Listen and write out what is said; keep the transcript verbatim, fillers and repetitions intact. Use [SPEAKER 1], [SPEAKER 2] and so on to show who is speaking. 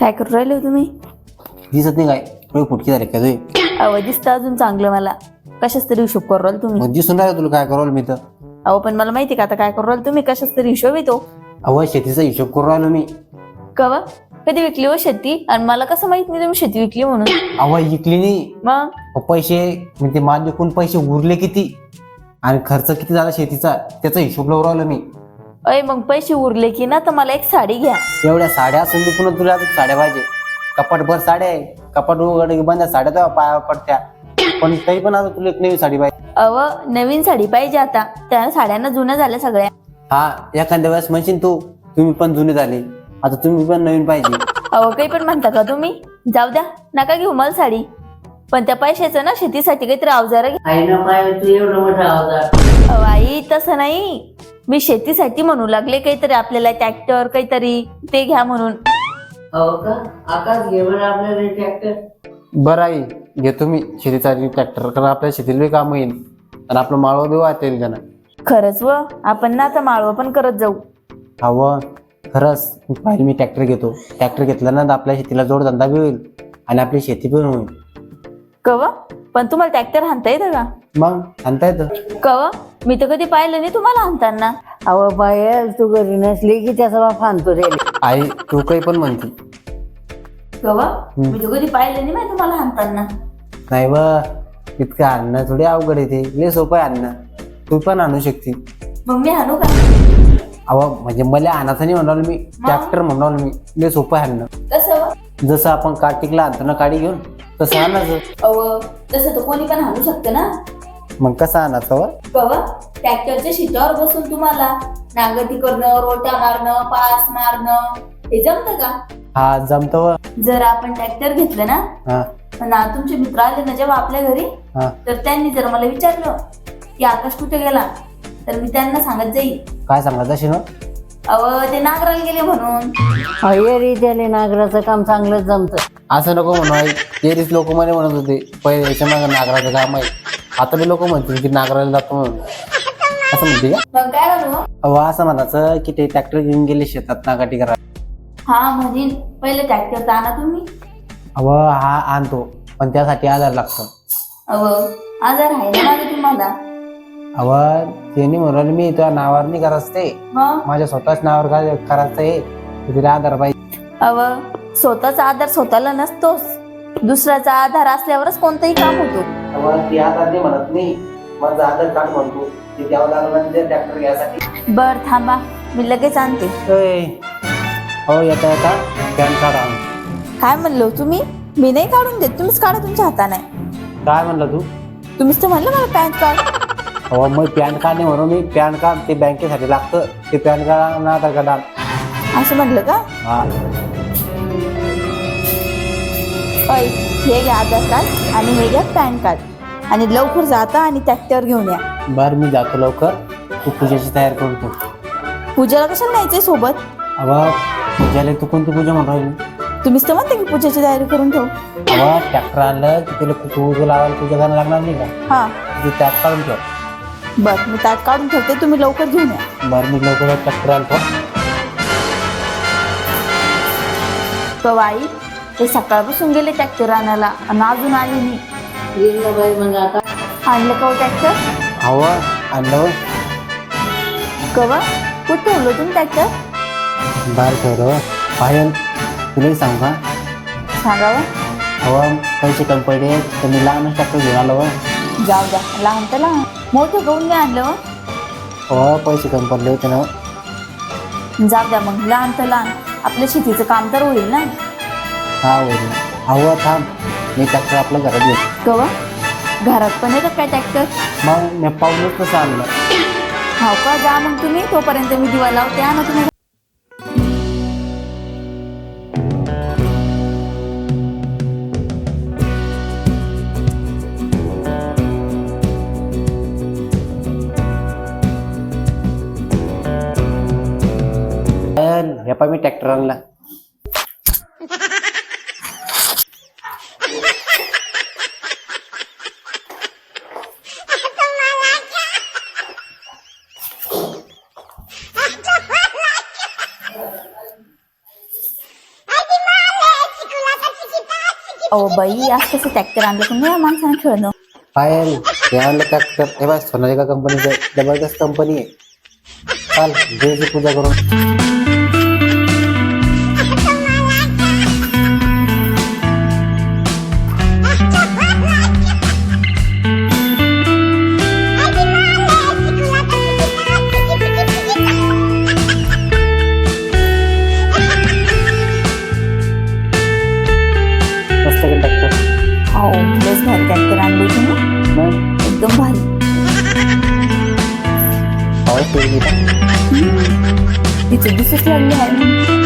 [SPEAKER 1] काय करू राहिले हो तुम्ही?
[SPEAKER 2] दिसत नाही काय डोळे फुटकी झाले का तुझे?
[SPEAKER 1] अहो दिसतं अजून चांगलं मला. कशाच तरी हिशोब करू राहिले तुम्ही.
[SPEAKER 2] मग दिसून राहिलं तुला काय करू मी तर.
[SPEAKER 1] अहो पण मला माहिती का आता काय करू राहिले तुम्ही. कशाच तरी हिशोब येतो.
[SPEAKER 2] अहो शेतीचा हिशोब करू राहिलो मी.
[SPEAKER 1] कवा कधी विकली हो शेती? आणि मला कसं माहित नाही तुम्ही शेती विकली म्हणून.
[SPEAKER 2] अहो विकली नाही.
[SPEAKER 1] मग
[SPEAKER 2] अहो, पैसे म्हणजे माल विकून पैसे उरले किती आणि खर्च किती झाला शेतीचा त्याचा हिशोब लावून राहिलो मी.
[SPEAKER 1] अय मग पैसे उरले की ना तर मला एक साडी घ्या.
[SPEAKER 2] एवढ्या साड्या असून मी पुन्हा तुला अजून साड्या पाहिजे. कपाटभर साड्या आहे. कपाट उघड बंद साड्या तर पाया पडत्या पण तरी पण आता तुला एक नवी साडी पाहिजे.
[SPEAKER 1] अव नवीन साडी पाहिजे आता. त्या साड्यांना जुन्या झाल्या सगळ्या.
[SPEAKER 2] हा एखाद्या वेळेस म्हणशील तू तुम्ही पण जुने झाले आता तुम्ही पण नवीन पाहिजे.
[SPEAKER 1] अहो काही पण म्हणता का तुम्ही. जाऊ द्या नका घेऊ मला साडी. पण त्या पैशाचं ना शेतीसाठी काहीतरी अवजार घ्या.
[SPEAKER 3] आई ना पाय तू एवढं मोठं अवजार.
[SPEAKER 1] अहो आई तसं नाही. मी शेतीसाठी म्हणू लागले काहीतरी आपल्याला ट्रॅक्टर काहीतरी ते घ्या म्हणून.
[SPEAKER 3] हो का आकाश घे बरं आपल्याला ट्रॅक्टर.
[SPEAKER 2] बरं आई घेतो मी शेतीचा ट्रॅक्टर कारण आपल्या शेतीला काम येईल आणि आपलं माळवं बी वाटेल का ना.
[SPEAKER 1] खरंच व आपण ना आता माळवं पण करत जाऊ.
[SPEAKER 2] हवं खरंच पाहिजे मी ट्रॅक्टर घेतो. ट्रॅक्टर घेतला ना तर आपल्या शेतीला जोडधंदा बी होईल आणि आपली शेती पण होईल.
[SPEAKER 1] कव पण तुम्हाला ट्रॅक्टर हाणता येतं का?
[SPEAKER 2] मग आणता येतं.
[SPEAKER 1] कव मी तर कधी पाहिलं नाही तुम्हाला हाणताना.
[SPEAKER 3] अहो बाय तू घरी नसली की त्याचा बाप आणतो रे.
[SPEAKER 2] आई तू काही पण म्हणते.
[SPEAKER 1] कव मी तर कधी पाहिलं नाही माहिती तुम्हाला हाणताना.
[SPEAKER 2] नाही व इतकं आणणं थोडी अवघड येते लय सोपं आहे आणणं. तू पण आणू शकते.
[SPEAKER 1] मग मी हाणू का?
[SPEAKER 2] अहो म्हणजे मला आणायचं नाही म्हणाल मी ट्रॅक्टर म्हणाल मी लय सोपं आहे आणणं.
[SPEAKER 1] कसं व?
[SPEAKER 2] जसं आपण कार्तिकला आणतो ना काडी घेऊन तसं आणायचं.
[SPEAKER 1] अव तसं तर कोणी पण हाणू शकतं ना.
[SPEAKER 2] मग कसं आणायचं व?
[SPEAKER 1] कव ट्रॅक्टरच्या शिटावर बसून तुम्हाला नांगरटी करणं रोटा मारणं पास मारणं हे जमतं का?
[SPEAKER 2] हा जमतं व.
[SPEAKER 1] जर आपण ट्रॅक्टर घेतलं ना
[SPEAKER 2] हा
[SPEAKER 1] ना तुमचे मित्र आले ना जेव्हा आपल्या घरी
[SPEAKER 2] हा
[SPEAKER 1] तर त्यांनी जर मला विचारलं की आकाश कुठे गेला तर मी त्यांना सांगत जाईल
[SPEAKER 2] काय सांगायचं अशी ना.
[SPEAKER 1] अव ते नागराला गेले म्हणून.
[SPEAKER 3] अये रे त्याले नागराचं काम चांगलंच जमतं.
[SPEAKER 2] असं नको म्हणू आई. तेरीच लोक मला म्हणत होते पहिले याच्या मागे नागराचं काम आहे. आता बी लोक म्हणतील की नागराला जातो म्हणून. असं म्हणते का?
[SPEAKER 1] मग काय म्हणू?
[SPEAKER 2] अहो असं म्हणायचं की ते ट्रॅक्टर घेऊन गेले शेतात नागाटी करा.
[SPEAKER 1] हा म्हणीन पहिले ट्रॅक्टर आणा तुम्ही.
[SPEAKER 2] अव हा आणतो पण त्यासाठी आधार लागतो.
[SPEAKER 1] अव आजार आहे ना माझा तुम्हाला.
[SPEAKER 2] अव ते नाही म्हणून मी तुझ्या नावावर नाही करायचं ते
[SPEAKER 1] मग
[SPEAKER 2] माझ्या स्वतःच नावावर काय करायचं आहे तिला आधार पाहिजे.
[SPEAKER 1] अव स्वतःचा आधार स्वतःला नसतोच. दुसऱ्याचा आधार असल्यावरच कोणतंही काम होतो.
[SPEAKER 2] अव ती आधार नाही म्हणत नाही माझं आधार कार्ड म्हणतो ते द्यावं लागलं ते ट्रॅक्टर घ्यायसाठी.
[SPEAKER 1] बर थांबा मी लगेच आणते.
[SPEAKER 2] हो येता येता पॅन कार्ड आण.
[SPEAKER 1] काय म्हणलो तुम्ही? मी नाही काढून देत तुम्हीच काढा तुमच्या हाताने.
[SPEAKER 2] काय म्हणलं तू?
[SPEAKER 1] तुम्हीच तर म्हणलं मला पॅन कार्ड.
[SPEAKER 2] हो मग पॅन कार्ड नाही म्हणून मी पॅन कार्ड ते बँकेसाठी लागतं ते पॅन कार्ड ना आधार कार्ड आण.
[SPEAKER 1] असं म्हटलं का?
[SPEAKER 2] हा
[SPEAKER 1] अय हे घ्या आधार कार्ड आणि हे घ्या पॅन कार्ड आणि लवकर जाता आणि ट्रॅक्टर घेऊन या.
[SPEAKER 2] बरं मी जातो लवकर. तू पूजेची तयारी करून ठेव.
[SPEAKER 1] पूजेला कशाला न्यायचंय सोबत?
[SPEAKER 2] अवा पूजाला तू कोणती पूजा म्हणून राहिली?
[SPEAKER 1] तुम्हीच तर म्हणते की पूजेची तयारी करून ठेव.
[SPEAKER 2] अवा ट्रॅक्टर आणलं की तुला पूजा लावायला पूजा करायला लागणार नाही का?
[SPEAKER 1] हा
[SPEAKER 2] तू त्यात काढून ठेव.
[SPEAKER 1] बर मी त्यात काढून ठेवते तुम्ही लवकर घेऊन या.
[SPEAKER 2] बरं मी लवकर ट्रॅक्टर आणतो.
[SPEAKER 1] कवाई ते सकाळपासून गेले ट्रॅक्टर आणायला आणि अजून आले नाही.
[SPEAKER 3] येईल ना बाई मग आता.
[SPEAKER 1] आणलं का ट्रॅक्टर?
[SPEAKER 2] हवा आणलं.
[SPEAKER 1] कवा कुठं ठेवलं तुम्ही ट्रॅक्टर?
[SPEAKER 2] बाहेर ठेवलं पायल तुलाही सांगू का?
[SPEAKER 1] सांगावं.
[SPEAKER 2] हवा पैसे कमी पडले तर मी लहानच ट्रॅक्टर घेऊन आलो.
[SPEAKER 1] जाऊ द्या लहान तर लहान मोठं गहून नाही आणलं.
[SPEAKER 2] हो पैसे कमी पडले होते ना.
[SPEAKER 1] जाऊ द्या मग लहान तर लहान आपल्या शेतीचं काम तर होईल ना.
[SPEAKER 2] हा होईल. हवा थांब मी ट्रॅक्टर आपल्या घरात घेतो.
[SPEAKER 1] कवा घरात पण येतं काय ट्रॅक्टर?
[SPEAKER 2] मग मी पाहूनच तसं आणलं.
[SPEAKER 1] हो का जा मग तुम्ही तोपर्यंत मी दिवा लावते. आणा तुम्ही.
[SPEAKER 2] हे पाय मी ट्रॅक्टर आणला.
[SPEAKER 1] अहो बाई आज कसं ट्रॅक्टर आणलं की नाही माणसानं खेळणं.
[SPEAKER 2] पायल हे आणलं ट्रॅक्टर हे बघ सोनालिका कंपनीचं जबरदस्त कंपनी आहे. चाल देवीची पूजा करून. मस्त ट्रॅक्टर
[SPEAKER 1] हो लस भारी ट्रॅक्टर आणली होती ना एकदम भारी.
[SPEAKER 2] पाऊस
[SPEAKER 1] तिचं दिसच लागली आहे.